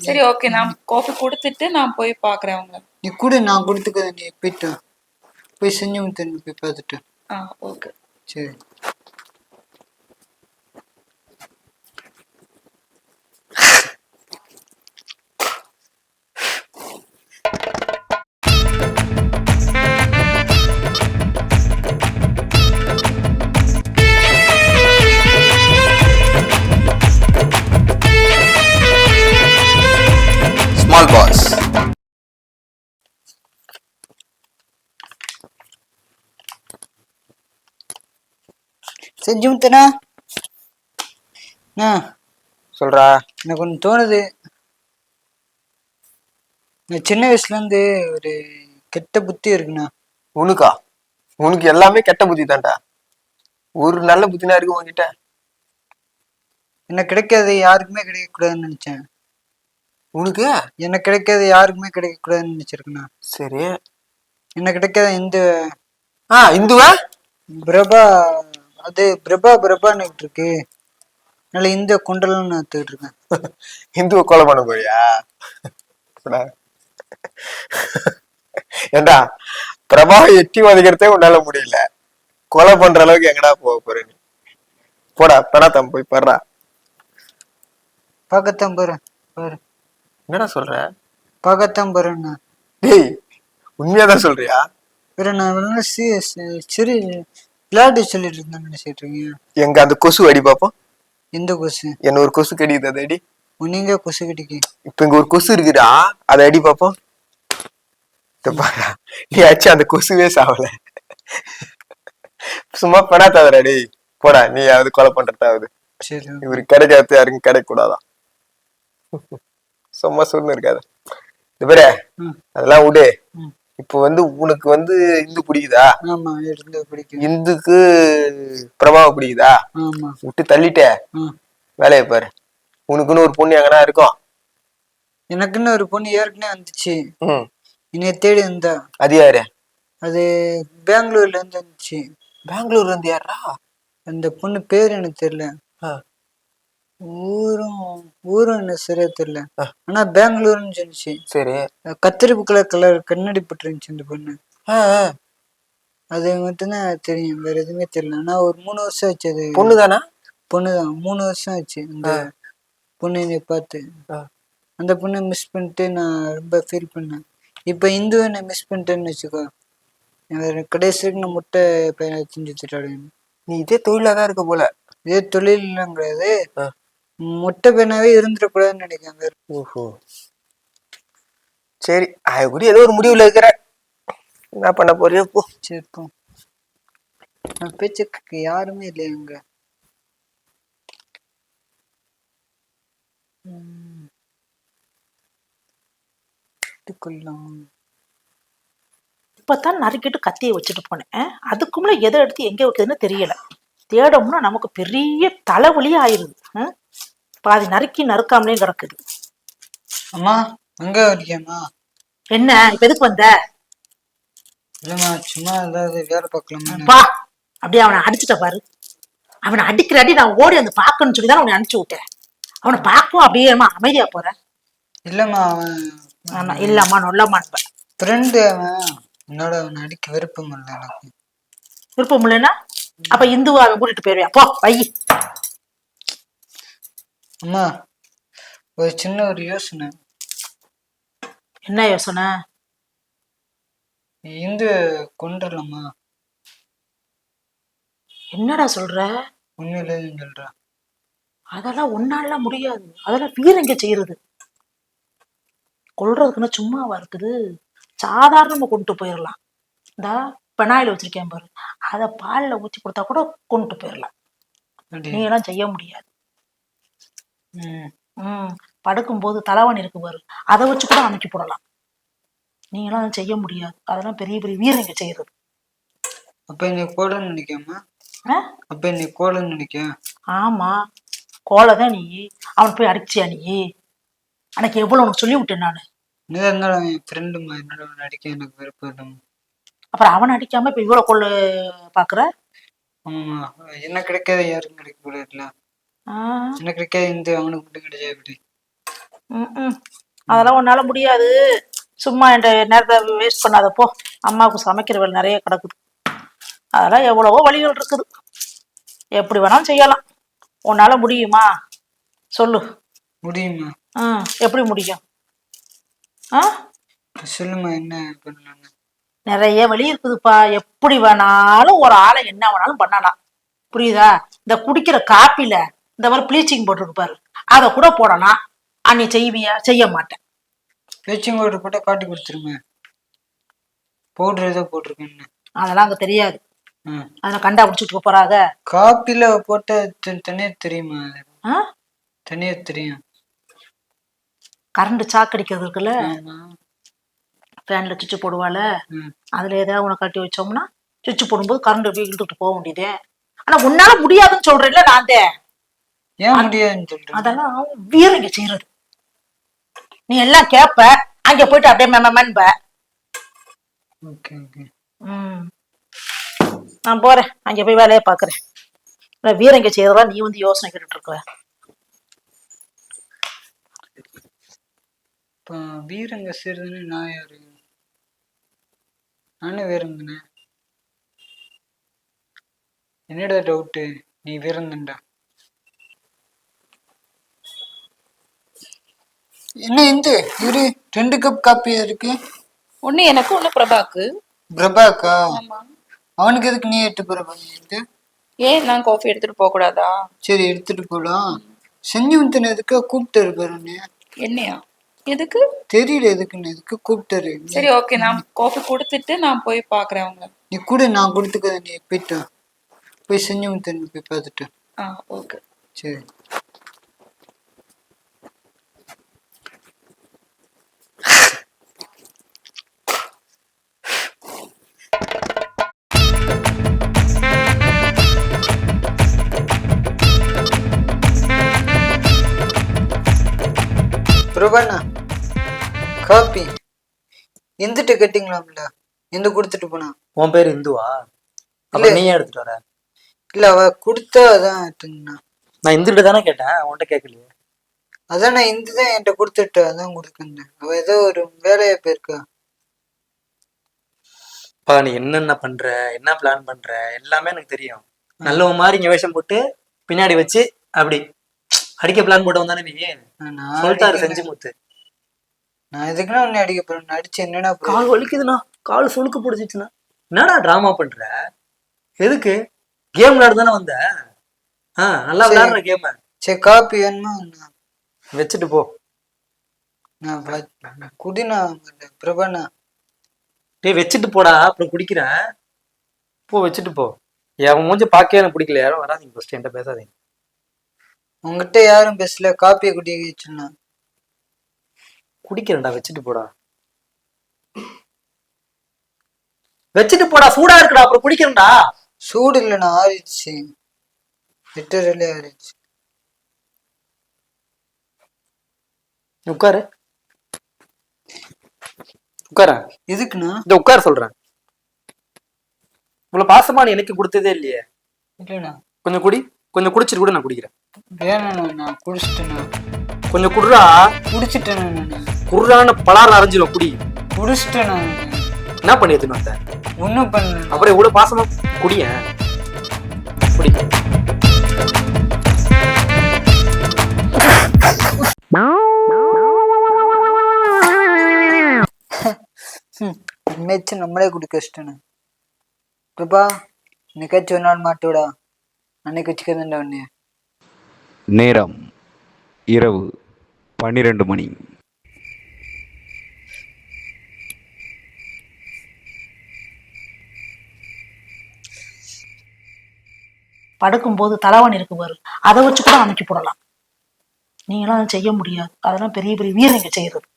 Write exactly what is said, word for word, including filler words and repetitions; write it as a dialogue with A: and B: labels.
A: சரி ஓகே, நான் காஃபி கொடுத்துட்டு நான் போய் பாக்குறேன் அவங்க.
B: நீ கூட நான் கொடுத்துக்கிறேன், நீ போயிட்டு போய் செஞ்சு கொடுத்து போய் பார்த்துட்டு.
A: ஆ ஓகே
B: சரி.
C: Small boss.
B: செஞ்சு முத்தனா
C: சொல்றா.
B: எனக்கு ஒன்று தோணுது. நான் சின்ன வயசுல இருந்து ஒரு கெட்ட புத்தி இருக்குண்ணா.
C: உனக்கா? உனக்கு எல்லாமே கெட்ட புத்தி தான்டா. ஒரு நல்ல புத்தினா இருக்கு உன்கிட்ட.
B: எனக்கு கிடைக்காது யாருக்குமே கிடைக்க கூடாதுன்னு நினைச்சேன்.
C: உனக்கு
B: எனக்கு கிடைக்காது யாருக்குமே கிடைக்க கூடாதுன்னு நினைச்சிருக்கேண்ணா.
C: சரி.
B: எனக்கு கிடைக்காத இந்து
C: ஆ இந்துவா
B: பிரபா, அது பிரபா பிரபான்னு இருக்கு. அதனால இந்த குண்டலம் நான் எடுத்துக்கிட்டு இருக்கேன்.
C: இந்துவை கொலை பண்ண போறியா? ஏண்டா பிரபாவை எட்டி வதைக்கிறதே உன்னால முடியல, கொலை பண்ற அளவுக்கு எங்கடா போக போற நீ? போடா பெணாத்தம் போய் படுறா.
B: பார்க்கத்தான் போறேன் பாரு.
C: என்னடா சொல்ற?
B: பார்க்கத்தான் போறேண்ணா.
C: டேய் உண்மையாதான் சொல்றியா?
B: வேற நான் சரி விளையாட்டு சொல்லிட்டு இருந்தேன் நினைச்சிட்டு இருக்கீங்க.
C: எங்க அந்த கொசு அடி பாப்போம்.
B: எந்த கொசு?
C: என்ன ஒரு கொசு கடிக்குது, அதை அடி.
B: நீங்க கொசு கடிக்கு.
C: இப்ப இங்க ஒரு கொசு இருக்குடா, அதை அடி பாப்போம். நீ ஆச்சு அந்த கொசுவே சாவல. சும்மா பெணாத்தாதடா டேய். போடா, நீ யாவது கொலை பண்றதாவது.
B: சரி.
C: இவரு கிடைக்காது யாருக்கும் கிடைக்க கூடாதான். சும்மா சொன்னு இருக்காது. இது பேர அதெல்லாம் விடு. இப்ப வந்து உனக்கு வந்து இந்து பிடிக்குதா?
B: ஆமா, இந்து பிடிக்கும்.
C: இந்துக்கு பிரபாவ பிடிக்குதா?
B: ஆமா.
C: விட்டு தள்ளிட்டே வேலையை பாரு. உனக்குன்னு ஒரு பொண்ணு எங்கன்னா இருக்கும்.
B: எனக்குன்னு ஒரு பொண்ணு ஏற்கனவே வந்துச்சு. என்னைய தேடி இருந்தா.
C: அது யாரு?
B: அது பெங்களூர்ல இருந்து வந்துச்சு.
C: பெங்களூர்ல இருந்து யாரா?
B: அந்த பொண்ணு பேரு எனக்கு தெரியல. ஊரும் ஊரும் என்ன சரியா தெரியல. ஆனா பெங்களூர்னு சொல்லிச்சு.
C: சரி.
B: கத்திரிப்பு கலர் கலர் கண்ணாடி போட்டுருந்துச்சு அந்த பொண்ணு. அது மட்டும்தான் தெரியும், வேற எதுவுமே தெரியல. ஆனா ஒரு மூணு வருஷம் ஆச்சு. அது
C: பொண்ணுதானா?
B: பொண்ணுதான். மூணு வருஷம் ஆச்சு அந்த பொண்ணு என்னை பார்த்து. அந்த பொண்ணை மிஸ் பண்ணிட்டு நான் ரொம்ப ஃபீல் பண்ணேன். இப்ப இந்து என்னை மிஸ் பண்ணிட்டேன்னு வச்சுக்கோ, கடைசிக்கு நான் முட்டை பையனை செஞ்சு வச்சுட்டாடுவேன்.
C: நீ இதே தொழிலாதான் இருக்க போல.
B: இதே தொழில் எல்லாம் கிடையாது, முட்டை பையனாவே இருந்துடக்கூடாதுன்னு நினைக்காங்க.
C: ஓஹோ சரி, அது கூட ஏதோ ஒரு முடிவுல இருக்கிற. என்ன பண்ண போறியோ போ.
B: சரி போ. நான் பேச்சுக்கு யாருமே இல்லையா அங்க.
D: இப்பதான் நறுக்கிட்டு கத்தியை வச்சுட்டு போனேன். அதுக்குள்ள எதை எடுத்து எங்க வைக்கிறதுன்னு தெரியல. தேடம்னா நமக்கு பெரிய தலைவலியே ஆயிருது. பாதி நறுக்கி நறுக்காமலே கிடக்குது.
B: அம்மா அங்க வரியாமா?
D: என்ன இப்ப எதுக்கு வந்த?
B: இல்லம்மா சும்மா ஏதாவது வேலை பார்க்கலாம்.
D: பா, அப்படியே அவனை அடிச்சுட்ட பாரு. அவனை அடிக்கிற அடி நான் ஓடி வந்து பாக்கணும்னு சொல்லிதான் அவனை அனுப்பிச்சு விட்டேன். அவனை பார்க்கவும் அப்படியே அமைதியா போறேன்.
B: இல்லம்மா அவன்
D: இல்லம்மா நொல்லம்மா
B: ஃப்ரெண்டு. அவன் என்னோட அவனை அடிக்க விருப்பம் இல்லை. எனக்கு
D: விருப்பம் இல்லைன்னா அப்ப இந்துவா அவன் கூட்டிட்டு போயிருவேன். போ வை.
B: அம்மா ஒரு சின்ன ஒரு யோசனை.
D: என்ன யோசனை?
B: இந்து கொண்டுடலாமா?
D: என்னடா சொல்ற?
B: உண்மையிலே சொல்ற?
D: அதெல்லாம் ஒன்னால முடியாது. அதெல்லாம் வீரங்க செய்யறது. கொல்றதுக்குன்னா சும்மாவா இருக்குது? சாதாரணமா கொண்டு போயிடலாம். இந்த பெனாயில் வச்சிருக்கேன் பாரு, அத பால்ல ஊற்றி கொடுத்தா கூட கொண்டு போயிடலாம். நீ எல்லாம் செய்ய முடியாது. உம் படுக்கும் போது தலைவன் இருக்கு பாரு, அதை வச்சு கூட அமைக்கி போடலாம். நீ எல்லாம் செய்ய முடியாது. அதெல்லாம் பெரிய பெரிய வீரங்க செய்யறது.
B: அப்ப என்னை கோலன்னு நினைக்காம? அப்ப என்னை கோலன்னு நினைக்க? ஆமா,
D: கோலதான் நீ. அவன் போய் அடிச்சியா நீ? எனக்கு எவ்வளவு உனக்கு சொல்லி விட்டேன் நானு.
B: இருந்தாலும் என் ஃப்ரெண்டு என்னோட அடிக்க எனக்கு விருப்பம்.
D: அப்புறம் அவன் அடிக்காம இப்ப இவ்வளவு கொள்ள பாக்குற?
B: ஆமா, என்ன கிடைக்காத யாருக்கும் கிடைக்க கூடாதுல. என்ன கிடைக்காது இந்த அவனுக்கு மட்டும் கிடைச்சா எப்படி?
D: ம் அதெல்லாம் உன்னால முடியாது. சும்மா என் நேரத்தை வேஸ்ட் பண்ணாத போ. அம்மாவுக்கு சமைக்கிற வேலை நிறைய கிடக்குது. அதெல்லாம் எவ்வளவோ வழிகள் இருக்குது. எப்படி வேணாலும் செய்யலாம். உன்னால முடியுமா சொல்லு.
B: முடியுமா?
D: ஆ எப்படி முடியும்? ஆ
B: சொல்லுமா, என்ன பண்ணலாம்?
D: நிறைய வழி இருக்குதுப்பா. எப்படி வேணாலும் ஒரு ஆளை என்ன வேணாலும் பண்ணலாம். புரியுதா? இந்த குடிக்கிற காப்பில இந்த மாதிரி ப்ளீச்சிங் போட்டுருக்கு பாரு, அதை கூட போடலாம். அன்னி செய்வியா? செய்ய மாட்டேன்.
B: ப்ளீச்சிங் பவுடர் போட்டா காட்டி கொடுத்துருங்க. பவுடர் ஏதோ போட்டிருக்கேன்னு
D: அதெல்லாம் அங்க தெரியாது. அதெல்லாம் கண்டா பிடிச்சிட்டு போறாங்க.
B: காப்பில போட்ட தனியா தெரியுமா?
D: ஆ
B: தனியா தெரியும்.
D: கரண்ட் சாக்கடிக்கிறது இருக்குல்ல, ஃபேன்ல சுவிட்ச் போடுவாள். அதுல ஏதாவது உனக்கு கட்டி வச்சோம்னா சுவிட்ச் போடும்போது கரண்ட் அப்படியே இழுத்துட்டு போக வேண்டியதே. ஆனா உன்னால முடியாதுன்னு சொல்றேன்ல நான் தான்.
B: ஏன் முடியாதுன்னு சொல்றேன்?
D: அதெல்லாம் வீரங்க செய்யறது. நீ எல்லாம் கேப்ப, அங்க போயிட்டு அப்படியே மேமன்ப.
B: Okay okay.
D: ம் நான் போறேன், அங்க போய் வேலையை பாக்குறேன். வீரங்க செய்யறதா நீ வந்து யோசனை கேட்டுட்டு இருக்க.
B: இப்போ வீரங்க செய்யறதுன்னு நான் யாரு? நானும் வீரங்கண்ணே. என்னடா டவுட்டு? நீ வீரங்கண்டா. என்ன இந்த இரு ரெண்டு கப் காப்பியா இருக்கு?
A: ஒண்ணு எனக்கு, ஒண்ணு பிரபாக்கு.
B: பிரபாக்கா? அவனுக்கு எதுக்கு நீ எடுத்து பிரபா?
A: ஏன் நான் காஃபி எடுத்துட்டு போக கூடாதா?
B: சரி எடுத்துட்டு போலாம். செஞ்சு எதுக்கு கூப்பிட்டாரு பாருங்க.
A: என்னையா? எதுக்கு
B: தெரியல எதுக்குன்னு, எதுக்கு கூப்பிட்டாரு.
A: சரி ஓகே, நான் காஃபி கொடுத்துட்டு நான் போய் பாக்குறேன் அவங்க.
B: நீ கூட நான் கொடுத்துக்க. நீ போயிட்டு போய் செஞ்சு முத்தன்னு போய் பார்த்துட்டு.
A: ஆ ஓகே
B: சரி. பிரபாண்ணா காப்பி எந்திட்ட கட்டிங்களாம்ல? எந்த கொடுத்துட்டு போனா?
E: உன் பேர் இந்துவா? இல்ல நீ எடுத்துட்டு வர?
B: இல்ல அவ கொடுத்தா அதான் எடுத்துங்கண்ணா.
E: நான் இந்துட்ட தானே கேட்டேன், உன்கிட்ட கேட்கலையே.
B: அதான் நான் இந்து தான் என்கிட்ட கொடுத்துட்டு அதான் கொடுக்குறேன். அவ ஏதோ ஒரு வேலையா போயிருக்கா.
E: பா நீ என்னென்ன பண்ற, என்ன பிளான் பண்ற எல்லாமே எனக்கு தெரியும். நல்லவன் மாதிரி இங்க வேஷம் போட்டு பின்னாடி வச்சு அப்படி அடிக்க பிளான் போட்டு வந்தானே நீ. சொல்லிட்டாரு செஞ்சு முத்து.
B: நான் எதுக்குன்னா உன்னை அடிக்க போறேன். அடிச்சு என்னன்னா
E: கால் வலிக்குதுண்ணா, கால் சுழுக்கு பிடிச்சிச்சுண்ணா. என்னடா டிராமா பண்ற? எதுக்கு? கேம் விளையாடு தானே வந்த? ஆஹ் நல்லா விளையாடுற கேம்.
B: சரி காப்பி வேணுமா?
E: வச்சுட்டு போ.
B: நான் குடினா பிரபாண்ணா.
E: டேய் வச்சுட்டு போடா, அப்புறம் குடிக்கிறேன். போ வச்சுட்டு போ. என் மூஞ்ச பாக்கவே எனக்கு பிடிக்கல. யாரும் வராதிங்க, ஃபர்ஸ்ட் என்கிட்ட பேசாதீங்க.
B: உங்ககிட்ட யாரும் பேசல. காப்பியை குடிக்க வச்சுனா
E: குடிக்கிறேன்டா, வச்சுட்டு போடா. வச்சுட்டு போடா, சூடா இருக்குடா, அப்புறம் குடிக்கிறேன்டா.
B: சூடு இல்லைண்ணா, ஆறிடுச்சு. லிட்டரலே ஆறிடுச்சு.
E: உட்காரு உட்கார.
B: எதுக்குண்ணா?
E: இந்த உட்கார சொல்றேன். இவ்வளவு பாசமா நீ எனக்கு கொடுத்ததே இல்லையே.
B: இல்லைண்ணா
E: கொஞ்சம் குடி, கொஞ்சம் குடிச்சிட்டு கூட நான் குடிக்கிறேன்.
B: வேணாண்ணா, நான் குடிச்சிட்டேண்ணா.
E: கொஞ்சம் குடுறா.
B: குடிச்சிட்டேண்ணா.
E: குடுறான்னு பலாறு அரைஞ்சிடும், குடி.
B: குடிச்சிட்டேண்ணா.
E: என்ன பண்ணி எடுத்துன்னு வந்த?
B: ஒன்றும் பண்ணல.
E: அப்புறம் இவ்வளவு பாசமா குடிய குடி.
B: மெச்சு நம்மளே குடிக்க வச்சிட்டேண்ணா. பிரபா இன்னைக்காச்சும் ஒரு நாள் மாட்டோடா. அன்னைக்கு வச்சுக்கிறேன்டா உன்னைய.
F: நேரம் இரவு பன்னிரண்டு மணி.
D: படுக்கும்போது தலைவாணி இருக்கு பாரு, அதை வச்சு கூட அமைக்கி போடலாம். நீங்களாம் செய்ய முடியாது. அதெல்லாம் பெரிய பெரிய வீரங்க செய்யறது.